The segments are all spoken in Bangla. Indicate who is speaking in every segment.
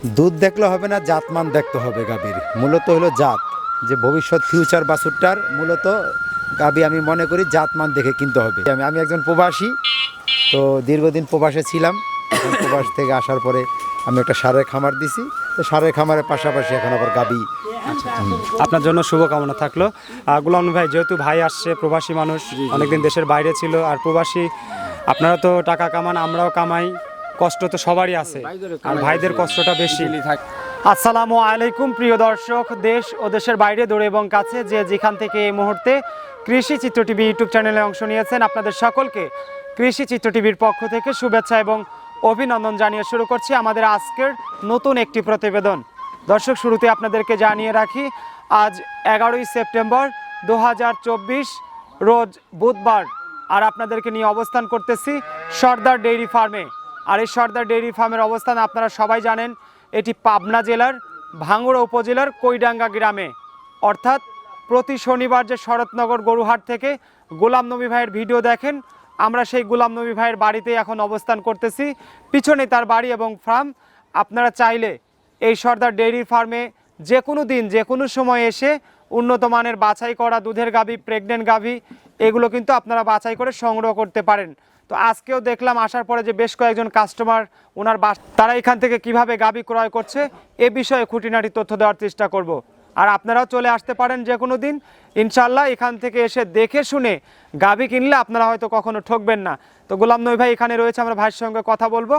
Speaker 1: দুধ দেখলে হবে না, জাতমান দেখতে হবে গাভীর। মূলত হলো জাত, যে ভবিষ্যৎ ফিউচার বাছুরটার মূলত গাভী আমি মনে করি জাতমান দেখে কিনতে হবে। আমি একজন প্রবাসী, তো দীর্ঘদিন প্রবাসে ছিলাম। এখন প্রবাস থেকে আসার পরে আমি একটা ষাঁড়ের খামার দিছি, তো ষাঁড়ের খামারের পাশাপাশি এখন আবার গাভী।
Speaker 2: আপনার জন্য শুভকামনা থাকলো। গোলাম নবী ভাই, যেহেতু ভাই আসছে, প্রবাসী মানুষ, অনেকদিন দেশের বাইরে ছিল, আর প্রবাসী আপনারা তো টাকা কামান, আমরাও কামাই, কষ্ট তো সবারই আছে, আর ভাইদের কষ্টটা বেশি। আসসালামু আলাইকুম প্রিয় দর্শক, দেশ ও দেশের বাইরে দূরে এবং কাছে যে যেখান থেকে এই মুহূর্তে কৃষি চিত্র টিভি ইউটিউব চ্যানেলে অংশ নিয়েছেন, আপনাদের সকলকে কৃষি চিত্র টিভির পক্ষ থেকে শুভেচ্ছা এবং অভিনন্দন জানিয়ে শুরু করছি আমাদের আজকের নতুন একটি প্রতিবেদন। দর্শক, শুরুতে আপনাদেরকে জানিয়ে রাখি, আজ 11ই সেপ্টেম্বর 2024 রোজ বুধবার, আর আপনাদেরকে নিয়ে অবস্থান করতেছি সর্দার ডেইরি ফার্মে। আর এই সর্দার ডেইরি ফার্মের অবস্থান আপনারা সবাই জানেন, এটি পাবনা জেলার ভাঙ্গুড়া উপজেলার কৈডাঙ্গা গ্রামে। অর্থাৎ প্রতি শনিবার যে শরৎনগর গরুহাট থেকে গোলাম নবী ভাইয়ের ভিডিও দেখেন, আমরা সেই গোলাম নবী ভাইয়ের বাড়িতে এখন অবস্থান করতেছি। পিছনে তার বাড়ি এবং ফার্ম। আপনারা চাইলে এই সর্দার ডেইরি ফার্মে যে কোনো দিন যে কোনো সময় এসে উন্নত মানের বাছাই করা দুধের গাভী, প্রেগনেন্ট গাভী, এগুলো কিন্তু আপনারা বাছাই করে সংগ্রহ করতে পারেন। তো আজকেও দেখলাম আসার পরে যে বেশ কয়েকজন কাস্টমার ওনার তারা এখান থেকে কিভাবে গাভী ক্রয় করছে এ বিষয়ে খুঁটিনাটি তথ্য দেওয়ার চেষ্টা করব। আর আপনারাও চলে আসতে পারেন যে কোনো দিন, ইনশাল্লাহ এখান থেকে এসে দেখে শুনে গাভী কিনলে আপনারা হয়তো কখনো ঠকবেন না। তো গোলাম নবী ভাই এখানে রয়েছে, আমরা ভাইয়ের সঙ্গে কথা বলবো।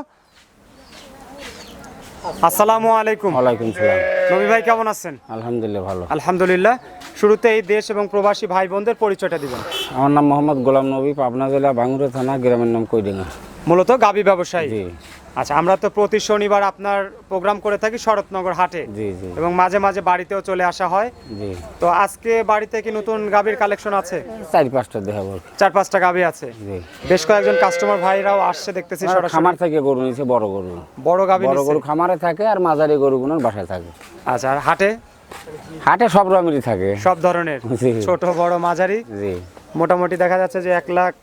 Speaker 2: আসসালামু আলাইকুম।
Speaker 3: ওয়ালাইকুম সালাম।
Speaker 2: নবী ভাই কেমন আছেন?
Speaker 3: আলহামদুলিল্লাহ ভালো।
Speaker 2: আলহামদুলিল্লাহ। শুরুতে এই দেশ এবং প্রবাসী ভাই বোনদের পরিচয়টা দিবেন।
Speaker 3: আমার নাম মোহাম্মদ গোলাম নবী, পাবনা জেলা ভাঙ্গুড়া থানা, গ্রামের নাম কৈডাঙ্গা।
Speaker 2: মূলত গাভী ব্যবসায়ী।
Speaker 3: জি।
Speaker 2: আচ্ছা, আমরা তো প্রতি শনিবার আপনার প্রোগ্রাম করে থাকি শরৎনগর হাটে,
Speaker 3: জি জি
Speaker 2: এবং মাঝে মাঝে বাড়িতেও চলে আসা হয়।
Speaker 3: জি।
Speaker 2: তো আজকে বাড়িতে কি নতুন গাভীর কালেকশন আছে?
Speaker 3: 4-5টা দেখাবো।
Speaker 2: 4-5টা গাভী আছে।
Speaker 3: জি।
Speaker 2: বেশ কয়েকজন কাস্টমার ভাইরাও আসছে দেখতেছি সরাসরি।
Speaker 3: খামার থেকে গরু নিছে, বড় গরু।
Speaker 2: বড় গাভী
Speaker 3: বড়
Speaker 2: নিছে।
Speaker 3: গরু খামারে থাকে আর মাঝারি গরুগুলোর বাসায় থাকে।
Speaker 2: আচ্ছা, আর হাটে?
Speaker 3: হাটে সব রকমেরই থাকে,
Speaker 2: সব ধরনের,
Speaker 3: জি।
Speaker 2: ছোট বড় মাঝারি।
Speaker 3: জি।
Speaker 2: মোটামুটি দেখা যাচ্ছে যে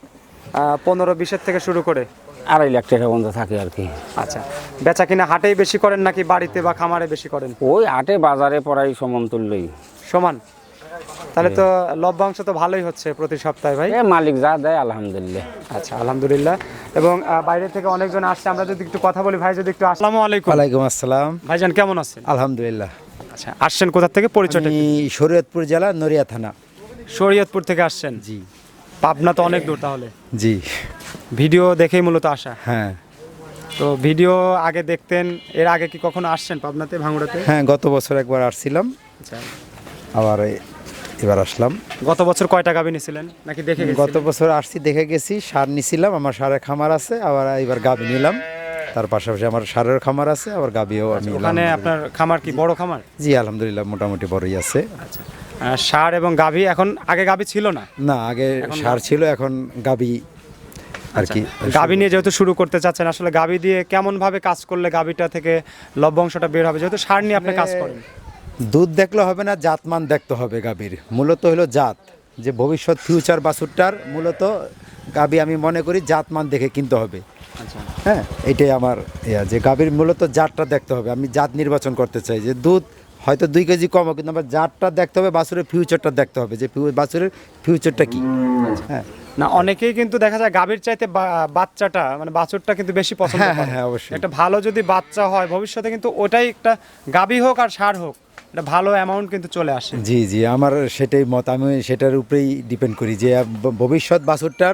Speaker 2: 1,15,20 থেকে শুরু করে
Speaker 3: 2.5 লাখ টাকা পর্যন্ত থাকে আর কি।
Speaker 2: আচ্ছা, বেচা কিনা হাটেই বেশি করেন নাকি বাড়িতে বা খামারে বেশি করেন?
Speaker 3: ওই হাটে বাজারে পড়াই সমান তুললেই
Speaker 2: সমান। তাহলে তো লভ্যাংশ তো ভালোই হচ্ছে প্রতি সপ্তাহে ভাই।
Speaker 3: মালিক যা দেয় আলহামদুলিল্লাহ।
Speaker 2: আচ্ছা, আলহামদুলিল্লাহ। এবং বাইরে থেকে অনেকজন আসছে, আমরা যদি একটু কথা বলি। ভাই যদি একটু। আসসালামু আলাইকুম।
Speaker 1: ওয়ালাইকুম আসসালাম।
Speaker 2: ভাইজান কেমন আছেন?
Speaker 1: আলহামদুলিল্লাহ।
Speaker 2: আচ্ছা, আসছেন কোথা থেকে, পরিচয়টা?
Speaker 1: আমি শরীয়তপুর জেলা, নড়িয়া থানা।
Speaker 2: শরীয়তপুর থেকে আসছেন?
Speaker 1: জি।
Speaker 2: পাবনা তো অনেক দূর তাহলে।
Speaker 1: জি।
Speaker 2: ভিডিও দেখেই মূলত আসা?
Speaker 1: হ্যাঁ
Speaker 2: তো ভিডিও আগে দেখতেন, এর আগে কি কখনো আসছেন পাবনাতে, ভাঙ্গুড়াতে?
Speaker 1: হ্যাঁ, গত বছর একবার আসছিলাম,
Speaker 2: আচ্ছা।
Speaker 1: আবার এবার আসলাম।
Speaker 2: গত বছর কয়টা গাভী নিছিলেন নাকি দেখে গেছেন?
Speaker 1: গত বছর আসছি, দেখে গেছি, সার নিছিলাম, আমার সারের খামার আছে, আবার এবার গাভী নিলাম। তার পাশাপাশি আমার সারের খামার আছে, আবার গাভীও আমি নিলাম।
Speaker 2: ওখানে আপনার খামার কি বড় খামার?
Speaker 1: জি আলহামদুলিল্লাহ, মোটামুটি বড়ই আছে।
Speaker 2: আচ্ছা, সার এবং গাভী এখন, আগে গাভী ছিল না?
Speaker 1: না, আগে সার ছিল, এখন গাভী আর কি।
Speaker 2: গাভী নিয়ে যেহেতু শুরু করতে চাচ্ছেন, আসলে গাভী দিয়ে কেমন ভাবে কাজ করলে গাভীটা থেকে লভ্যাংশটা বের হবে, যেহেতু সার নিয়ে আপনি কাজ করেন?
Speaker 1: দুধ দেখলে হবে না, জাতমান দেখতে হবে গাভীর। মূলত হলো জাত, যে ভবিষ্যৎ ফিউচার বাছুরটার মূলত গাভী আমি মনে করি জাতমান দেখে কিনতে হবে।
Speaker 2: আচ্ছা।
Speaker 1: হ্যাঁ, এটাই আমার যে গাভীর মূলত জাতটা দেখতে হবে। আমি জাত নির্বাচন করতে চাই, যে দুধ হয়তো 2 কেজি কম হোক, কিন্তু আমার জাতটা দেখতে হবে, বাছুরের ফিউচারটা দেখতে হবে, যে বাছুরের ফিউচারটা কি। হ্যাঁ
Speaker 2: না, অনেকেই কিন্তু দেখা যায় গাভীর চাইতে বাচ্চাটা, মানে বাছুরটা কিন্তু বেশি পছন্দ
Speaker 1: হ্যাঁ
Speaker 2: করে।
Speaker 1: হ্যাঁ অবশ্যই।
Speaker 2: একটা ভালো যদি বাচ্চা হয় ভবিষ্যতে, কিন্তু ওটাই একটা গাভী হোক আর ষাঁড় হোক, একটা ভালো অ্যামাউন্ট কিন্তু চলে আসে।
Speaker 1: জি জি, আমার সেটাই মত। আমি সেটার উপরেই ডিপেন্ড করি, যে ভবিষ্যৎ বাছুরটার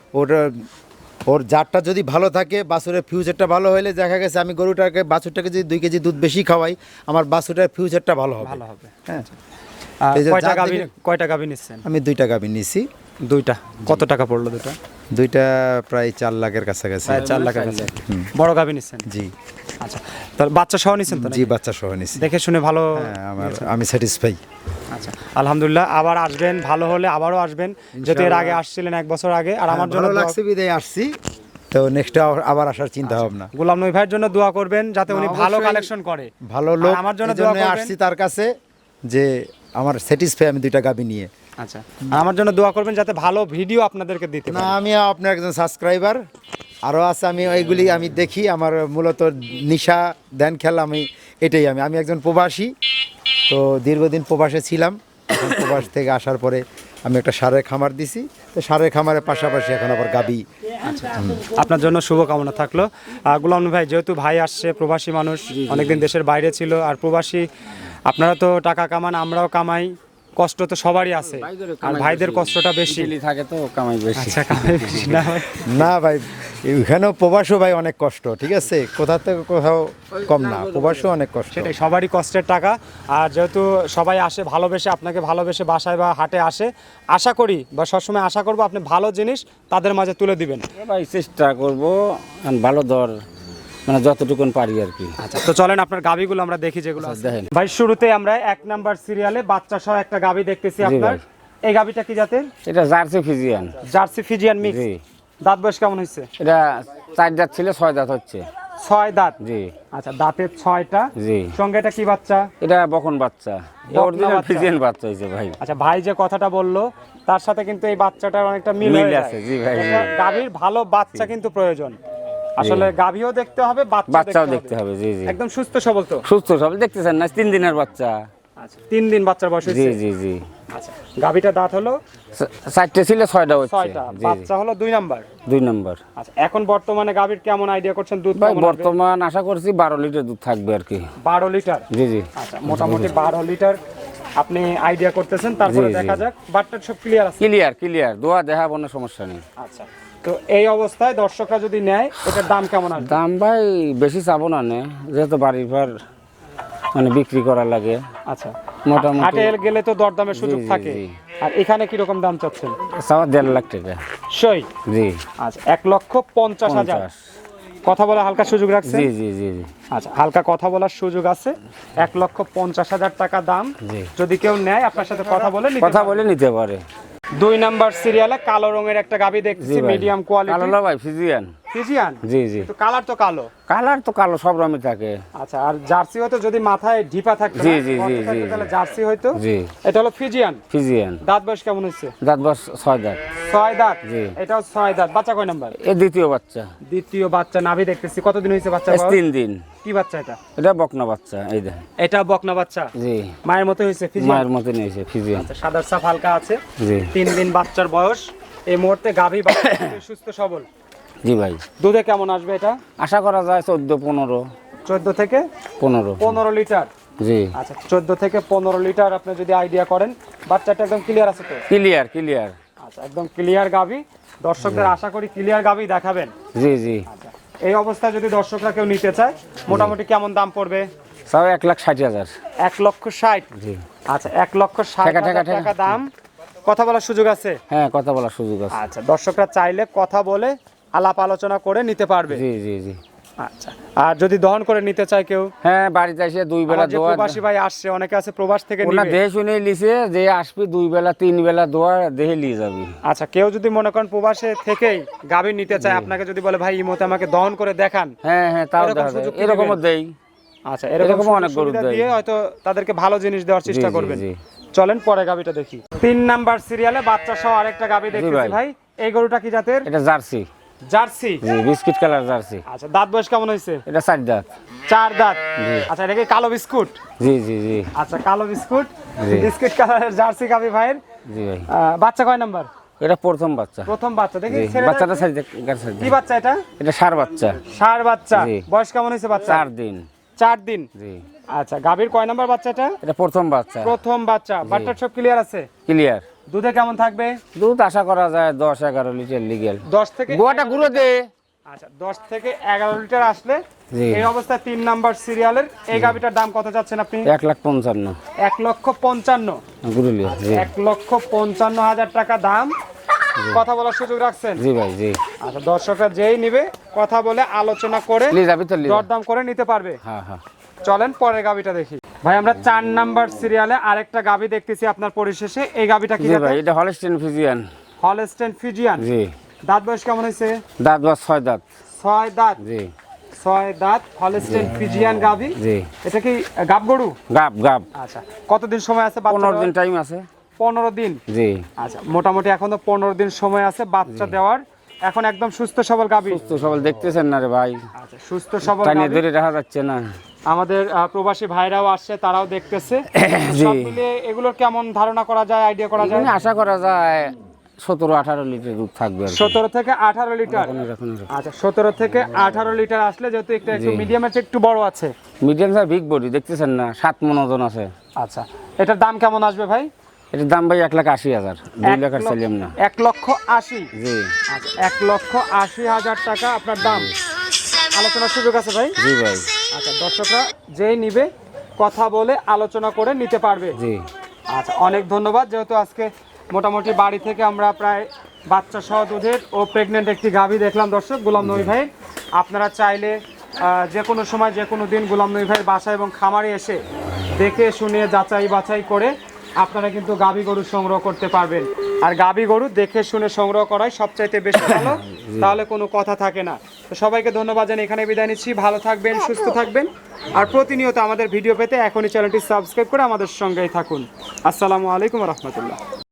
Speaker 1: ওর জাতটা যদি ভালো থাকে, বাছুরের ফিউচারটা ভালো হলে দেখা গেছে আমি গরুটাকে, বাছুরটাকে যদি 2 কেজি দুধ বেশি খাওয়াই, আমার বাছুরটার ফিউচারটা ভালো হবে।
Speaker 2: ভালো হবে।
Speaker 1: হ্যাঁ। এই যে
Speaker 2: কয়টা গাভী নিচ্ছেন?
Speaker 1: আমি 2টা গাভী নিছি।
Speaker 2: 2টা। কত টাকা পড়লো 2টা?
Speaker 1: 2টা প্রায় 4 লাখের কাছাকাছি।
Speaker 2: প্রায় 4 লাখের কাছে। বড় গাভী নিচ্ছেন?
Speaker 1: জি।
Speaker 2: আচ্ছা, তাহলে বাচ্চা সহ নিচ্ছেন তো?
Speaker 1: জি, বাচ্চা সহ নিছি।
Speaker 2: দেখে শুনে ভালো।
Speaker 1: হ্যাঁ, আমি স্যাটিসফাই।
Speaker 2: আচ্ছা, আলহামদুলিল্লাহ। আবার আসবেন, ভালো হলে আবারও আসবেন, যেহেতু এর আগে আসছিলেন 1 বছর আগে। আর আমার জন্য
Speaker 1: ভালো লাগছে বিদায় আসছি, তো নেক্সট আবার আসার চিন্তা ভাবনা।
Speaker 2: গোলাম নবী ভাইয়ের জন্য দোয়া করবেন, যাতে উনি ভালো কালেকশন করে,
Speaker 1: ভালো লোক।
Speaker 2: আমার জন্য
Speaker 1: দোয়া করবেন। আসছি তার কাছে, যে আমার স্যাটিসফাই আমি 2টা গাভী নিয়ে।
Speaker 2: আচ্ছা, আর আমার জন্য দোয়া করবেন যাতে ভালো ভিডিও আপনাদেরকে দিতে
Speaker 1: না,
Speaker 2: পারি।
Speaker 1: আমি আপনার একজন সাবস্ক্রাইবার, আরও আছে, আমি ওইগুলি আমি দেখি। আমার মূলত নিশা ধ্যান খেলা আমি একজন প্রবাসী। তো দীর্ঘদিন প্রবাসে ছিলাম। এখন প্রবাস থেকে আসার পরে আমি একটা ষাঁড়ের খামার দিছি। তো ষাঁড়ের খামারের পাশাপাশি এখন আবার গাবি।
Speaker 2: আপনার জন্য শুভকামনা থাকলো। গোলাম নবী ভাই, যেহেতু ভাই আসছে, প্রবাসী মানুষ, অনেকদিন দেশের বাইরে ছিল, আর প্রবাসী আপনারা তো টাকা কামান, আমরাও কামাই, কষ্ট তো সবারই আছে, আর ভাইদের কষ্টটা বেশি
Speaker 3: থাকে তো কামাই বেশি।
Speaker 2: আচ্ছা, কামাই বেশি না ভাই?
Speaker 1: না ভাই, এখানেও প্রবাসও ভাই অনেক কষ্ট, ঠিক আছে, কোথা থেকে কোথাও কম না, প্রবাসও অনেক কষ্ট।
Speaker 2: সেটাই, সবারই কষ্টের টাকা। আর যেহেতু সবাই আসে ভালোবেসে, আপনাকে ভালোবেসে বাসায় বা হাটে আসে, আশা করি বা সবসময় আশা করবো আপনি ভালো জিনিস তাদের মাঝে তুলে দিবেন।
Speaker 3: ভাই চেষ্টা করবো ভালো দর, মানে যতটুকুন পারি আর কি।
Speaker 2: আচ্ছা, তো চলেন আপনার গাবিগুলো আমরা দেখি যেগুলো আছে।
Speaker 3: দেখেন
Speaker 2: ভাই, শুরুতে আমরা 1 নাম্বার সিরিয়ালে বাচ্চা সহ একটা গাবি দেখতেছি আপনার।
Speaker 3: ভাই।
Speaker 2: এই গাবিটা কি জাতের?
Speaker 3: এটা Jersey Friesian.
Speaker 2: Jersey Friesian mix.
Speaker 3: জি।
Speaker 2: দাঁত বয়স কেমন হয়েছে?
Speaker 3: এটা 4 দাঁত ছিল, 6 দাঁত হচ্ছে।
Speaker 2: 6 দাঁত।
Speaker 3: জি।
Speaker 2: আচ্ছা, দাঁতের 6টা।
Speaker 3: জি।
Speaker 2: সঙ্গে এটা কি বাচ্চা?
Speaker 3: এটা বকন বাচ্চা, অরিজিনাল
Speaker 2: বাচ্চা।
Speaker 3: ফিজিয়ান বাচ্চা হয়েছে ভাই।
Speaker 2: আচ্ছা, ভাই যে কথাটা বললো তার সাথে কিন্তু এই বাচ্চাটার অনেকটা মিল
Speaker 3: মিল
Speaker 2: হয়ে
Speaker 3: আছে,
Speaker 2: যায়।
Speaker 3: জি ভাই,
Speaker 2: একটা গাভীর ভালো বাচ্চা কিন্তু প্রয়োজন। আসলে গাভীও দেখতে হবে,
Speaker 3: বাচ্চাও দেখতে হবে। জি জি।
Speaker 2: একদম সুস্থ সবল তো?
Speaker 3: সুস্থ সবল দেখতেছেন না, 3 দিনের বাচ্চা।
Speaker 2: আচ্ছা, 3 দিন বাচ্চার বয়স
Speaker 3: জি
Speaker 2: হয়েছে।
Speaker 3: জি জি।
Speaker 2: আচ্ছা, গাভীটা দাঁত হলো
Speaker 3: 4টে ছিল, 6টা হচ্ছে।
Speaker 2: 6টা,
Speaker 3: জি জি।
Speaker 2: বাচ্চা হলো 2 নাম্বার।
Speaker 3: 2 নম্বর।
Speaker 2: আচ্ছা, এখন বর্তমানে গাভীর কেমন আইডিয়া করছেন দুধ
Speaker 3: ভাই
Speaker 2: কেমন আসবে?
Speaker 3: বর্তমান আশা করছি 12 লিটার দুধ থাকবে আর কি।
Speaker 2: 12 লিটার।
Speaker 3: জি জি।
Speaker 2: আচ্ছা, মোটামুটি 12 লিটার আপনি আইডিয়া করতেছেন, তারপরে
Speaker 3: জি, জি।
Speaker 2: দেখা যাক। বাটটা সব ক্লিয়ার আছে?
Speaker 3: ক্লিয়ার দোয়া দেখা কোনো সমস্যা নেই।
Speaker 2: আচ্ছা, তো এই অবস্থায় দর্শকরা যদি নেয়, এটার দাম কেমন আসবে?
Speaker 3: দাম ভাই বেশি চাবো না, যেহেতু বাড়ির পর মানে বিক্রি করা লাগে।
Speaker 2: আচ্ছা,
Speaker 3: মোটামুটি
Speaker 2: হাটে গেলে তো দরদামের সুযোগ
Speaker 3: জি,
Speaker 2: থাকে।
Speaker 3: জি।
Speaker 2: আর এখানে কি রকম দাম চাচ্ছেন?
Speaker 3: চাওয়া 1.5 লাখ টাকা।
Speaker 2: সই।
Speaker 3: জি।
Speaker 2: আচ্ছা, 1,50,000।
Speaker 3: 50।
Speaker 2: কথা বলা হালকা সুযোগ রাখছেন?
Speaker 3: জি জি জি জি।
Speaker 2: আচ্ছা, হালকা কথা বলার সুযোগ আছে। 1,50,000 টাকা দাম।
Speaker 3: জি।
Speaker 2: যদি কেউ নেয়, আপনার সাথে কথা বলে নিতে
Speaker 3: কথা
Speaker 2: পারবে।
Speaker 3: বলে নিতে পারে।
Speaker 2: 2 নাম্বার সিরিয়ালে কালো রঙের একটা গাবি
Speaker 3: জি
Speaker 2: দেখতেছি,
Speaker 3: ভাই।
Speaker 2: Medium quality.
Speaker 3: কালো না ভাই, ফিজিয়ান।
Speaker 2: ফিজিয়ান?
Speaker 3: জি জি।
Speaker 2: তো কালার তো কালো।
Speaker 3: কালার তো কালো, সব রকমই থাকে।
Speaker 2: আচ্ছা, আর জার্সি হয়তো যদি মাথায় ঢিপা থাকতো না,
Speaker 3: জি, জি,
Speaker 2: গর্ত
Speaker 3: জি,
Speaker 2: থাকতো,
Speaker 3: জি,
Speaker 2: তাহলে
Speaker 3: জি।
Speaker 2: জার্সি হয়তো।
Speaker 3: জি।
Speaker 2: এটা হলো ফিজিয়ান।
Speaker 3: ফিজিয়ান।
Speaker 2: দাঁত বয়স কেমন হয়েছে?
Speaker 3: দাঁত বস 6 দাঁত।
Speaker 2: 6 দাঁত।
Speaker 3: জি।
Speaker 2: এটাও 6 দাঁত। বাচ্চা কয় নাম্বার?
Speaker 3: এ দ্বিতীয় বাচ্চা।
Speaker 2: দ্বিতীয় বাচ্চা। নাভি দেখতেছি। কতদিন হয়েছে বাচ্চা?
Speaker 3: 3 দিন।
Speaker 2: কি বাচ্চা এটা?
Speaker 3: এটা বকনা বাচ্চা, এই দেখ।
Speaker 2: এটা বকনা বাচ্চা।
Speaker 3: জি।
Speaker 2: মায়ের মতো হয়েছে? ফিজিয়ান?
Speaker 3: মায়ের মতো নিয়েছে ফিজিয়ান।
Speaker 2: আচ্ছা, সাদার সাফ হালকা আছে।
Speaker 3: জি।
Speaker 2: 3 দিন বাচ্চার বয়স। এই মুহূর্তে গাভী বাচ্চা সুস্থ সবল।
Speaker 3: জি ভাই।
Speaker 2: দুধে কেমন আসবে এটা?
Speaker 3: আশা করা যায় 14-15।
Speaker 2: 14 থেকে
Speaker 3: 15।
Speaker 2: 15 লিটার।
Speaker 3: জি।
Speaker 2: আচ্ছা, 14 থেকে 15 লিটার আপনি যদি আইডিয়া করেন। বাচ্চাটা একদম ক্লিয়ার আছে তো?
Speaker 3: ক্লিয়ার।
Speaker 2: আচ্ছা, একদম ক্লিয়ার গাভী। দর্শকদের আশা করি ক্লিয়ার গাভী দেখাবেন।
Speaker 3: জি জি।
Speaker 2: আচ্ছা, এই অবস্থায় যদি দর্শকরা কেউ নিতে চায়, মোটামুটি কেমন দাম পড়বে?
Speaker 3: সব 1,60,000।
Speaker 2: 1,60,000।
Speaker 3: জি।
Speaker 2: আচ্ছা, 1,60,000 টাকা দাম। কথা বলার সুযোগ আছে?
Speaker 3: হ্যাঁ, কথা বলার সুযোগ আছে।
Speaker 2: আচ্ছা, দর্শকরা চাইলে কথা বলে আলাপ আলোচনা করে নিতে পারবে।
Speaker 3: জি জি জি।
Speaker 2: আচ্ছা, আর যদি দহন করে নিতে চায় কেউ?
Speaker 3: হ্যাঁ, বাড়িতে এসে 2 বেলা
Speaker 2: আমার যে
Speaker 3: দোয়া।
Speaker 2: প্রবাসী ভাই আসছে, অনেকে আছে প্রবাস থেকে
Speaker 3: ওনা
Speaker 2: নিবে।
Speaker 3: দেহে শুনে লিছে যে আসবি 2 বেলা 3 বেলা দোয়া দেহে নিয়ে যাবি।
Speaker 2: আচ্ছা, কেউ যদি মনে করেন প্রবাসে থেকেই গাভী নিতে চায়, আপনাকে যদি বলে ভাই এই মতে আমাকে দহন করে দেখান।
Speaker 3: হ্যাঁ, তাও
Speaker 2: এরকম
Speaker 3: দেখা যায়।
Speaker 2: সুযোগ কি
Speaker 3: এরকমও
Speaker 2: দিবেন?
Speaker 3: দেই।
Speaker 2: আচ্ছা, এরকম
Speaker 3: এরকমও অনেক
Speaker 2: অনেক
Speaker 3: গরু দেয়।
Speaker 2: দিয়ে হয়তো তাদেরকে ভালো জিনিস দেওয়ার চেষ্টা
Speaker 3: জি,
Speaker 2: করবেন।
Speaker 3: জি।
Speaker 2: চলেন পরে গাভীটা দেখি। 3 নাম্বার সিরিয়ালে বাচ্চা সহ আরেকটা গাভী দেখতেছি
Speaker 3: ভাই।
Speaker 2: ভাই। এই গরুটা কি জাতের?
Speaker 3: এটা জার্সি।
Speaker 2: জার্সি।
Speaker 3: জি, বিস্কিট কালার জার্সি।
Speaker 2: আচ্ছা, দাঁত বয়স কেমন হয়েছে?
Speaker 3: এটা 4 দাঁত।
Speaker 2: 4 দাঁত।
Speaker 3: জি।
Speaker 2: আচ্ছা, এটা কি কালো বিস্কুট?
Speaker 3: জি জি জি।
Speaker 2: আচ্ছা, কালো বিস্কুট।
Speaker 3: জি।
Speaker 2: বিস্কিট কালারের জার্সি গাভী ভাইয়ের।
Speaker 3: জি ভাই।
Speaker 2: বাচ্চা কয় নাম্বার?
Speaker 3: এটা প্রথম বাচ্চা।
Speaker 2: প্রথম বাচ্চা। দেখি
Speaker 3: জি,
Speaker 2: ছেলেটা
Speaker 3: বাচ্চাটা
Speaker 2: একটু।
Speaker 3: সাইজ গাছ।
Speaker 2: কি বাচ্চা এটা?
Speaker 3: এটা ষাঁড় বাচ্চা।
Speaker 2: ষাঁড় বাচ্চা।
Speaker 3: জি।
Speaker 2: বয়স কেমন হয়েছে বাচ্চা?
Speaker 3: 4 দিন।
Speaker 2: 4 দিন।
Speaker 3: জি।
Speaker 2: আচ্ছা, গাভীর কয় নাম্বার বাচ্চাটা?
Speaker 3: এটা প্রথম বাচ্চা।
Speaker 2: প্রথম বাচ্চা। বাচ্চার সব ক্লিয়ার আছে?
Speaker 3: ক্লিয়ার।
Speaker 2: দুধে কেমন থাকবে?
Speaker 3: দুধ আশা করা যায় 10-11 লিটার লিগ্যাল।
Speaker 2: 10 থেকে
Speaker 3: গোয়াটা গুঁড়ো দে।
Speaker 2: আচ্ছা, 10 থেকে 11 লিটার আসলে।
Speaker 3: জি।
Speaker 2: এই অবস্থায় 3 নাম্বার সিরিয়ালের এই গাভীটার দাম কত যাচ্ছেন আপনি?
Speaker 3: 1,55,000।
Speaker 2: 1,55,000।
Speaker 3: গুঁড়ো লিয়া। জি।
Speaker 2: 1,55,000 টাকা দাম। কথা বলার সুযোগ রাখছেন?
Speaker 3: জি ভাই। জি।
Speaker 2: আচ্ছা, দর্শকরা যেই নিবে কথা বলে আলোচনা করে
Speaker 3: লি যাবি তো লি।
Speaker 2: দরদাম করে নিতে পারবে।
Speaker 3: হ্যাঁ।
Speaker 2: চলেন পরের গাভীটা দেখি। ভাই, আমরা 4 নাম্বার সিরিয়ালে আরেকটা গাভী দেখতেছি আপনার পরিশেষে। এই গাভীটা কি
Speaker 3: জি
Speaker 2: জাতের?
Speaker 3: ভাই, এটা হলস্টেইন ফিজিয়ান।
Speaker 2: Holstein Friesian.
Speaker 3: জি।
Speaker 2: দাঁত বয়স কেমন হয়েছে?
Speaker 3: দাঁত বা 6 দাঁত।
Speaker 2: 6 দাঁত।
Speaker 3: জি।
Speaker 2: 6 দাঁত হলস্টেইন ফিজিয়ান গাভী।
Speaker 3: জি।
Speaker 2: এটা কি গাব গরু?
Speaker 3: গাব।
Speaker 2: আচ্ছা, কতদিন সময় আছে?
Speaker 3: 15 দিন টাইম আছে।
Speaker 2: 15 দিন।
Speaker 3: জি।
Speaker 2: আচ্ছা, মোটামুটি এখনো 15 দিন সময় আছে বাচ্চা দেওয়ার। এখন একদম সুস্থ সবল গাভী।
Speaker 3: সুস্থ সবল দেখতেছেন না রে ভাই,
Speaker 2: আচ্ছা, সুস্থ সবল
Speaker 3: টানিয়ে
Speaker 2: গাভী।
Speaker 3: ধরে রাখা যাচ্ছে না।
Speaker 2: আমাদের প্রবাসী ভাইরাও আসছে, তারাও দেখতেছে।
Speaker 3: জি।
Speaker 2: সব মিলিয়ে এগুলোর কেমন ধারণা করা যায়, আইডিয়া করা যায়?
Speaker 3: এখানে আশা করা যায় 17-18 লিটার দুধ থাকবে আর কি।
Speaker 2: 17 থেকে 18 লিটার।
Speaker 3: এরকম।
Speaker 2: আচ্ছা, 17 থেকে 18 লিটার আসলে, যেহেতু একটু
Speaker 3: জি।
Speaker 2: মিডিয়ামের চেয়ে একটু বড় আছে।
Speaker 3: মিডিয়াম সাইজ বিগ বডি দেখতেছেন না, 7 মণ ওজন আছে।
Speaker 2: আচ্ছা, এটার দাম কেমন আসবে ভাই?
Speaker 3: এটার দাম ভাই 1,80,000, 2 লাখ আর চাইলাম না।
Speaker 2: 1,80,000।
Speaker 3: জি
Speaker 2: আচ্ছা, 1,80,000 টাকা আপনার দাম। আলোচনার সুযোগ আছে ভাই?
Speaker 3: জি ভাই।
Speaker 2: আচ্ছা, দর্শকরা যেই নিবে কথা বলে আলোচনা করে নিতে পারবে।
Speaker 3: জি
Speaker 2: আচ্ছা, অনেক ধন্যবাদ। যেহেতু আজকে মোটামুটি বাড়ি থেকে আমরা প্রায় বাচ্চা সহ দুধের ও প্রেগনেন্ট একটি গাভী দেখলাম দর্শক গোলাম নবী ভাই। আপনারা চাইলে যে কোনো সময় যে কোনো দিন গোলাম নবী ভাইয়ের বাসা এবং খামারে এসে দেখে শুনে যাচাই বাছাই করে আপনারা কিন্তু গাভী গরু সংগ্রহ করতে পারবেন। আর গাভী গরু দেখে শুনে সংগ্রহ করাই সবচাইতে বেশি ভালো, তাহলে কোনো কথা থাকে না। তো সবাইকে ধন্যবাদ জানিয়ে এখানে বিদায় নিচ্ছি। ভালো থাকবেন, সুস্থ থাকবেন, আর প্রতিনিয়ত আমাদের ভিডিও পেতে এখনই চ্যানেলটি সাবস্ক্রাইব করে আমাদের সঙ্গেই থাকুন। আসসালামু আলাইকুম রহমতুল্লাহ।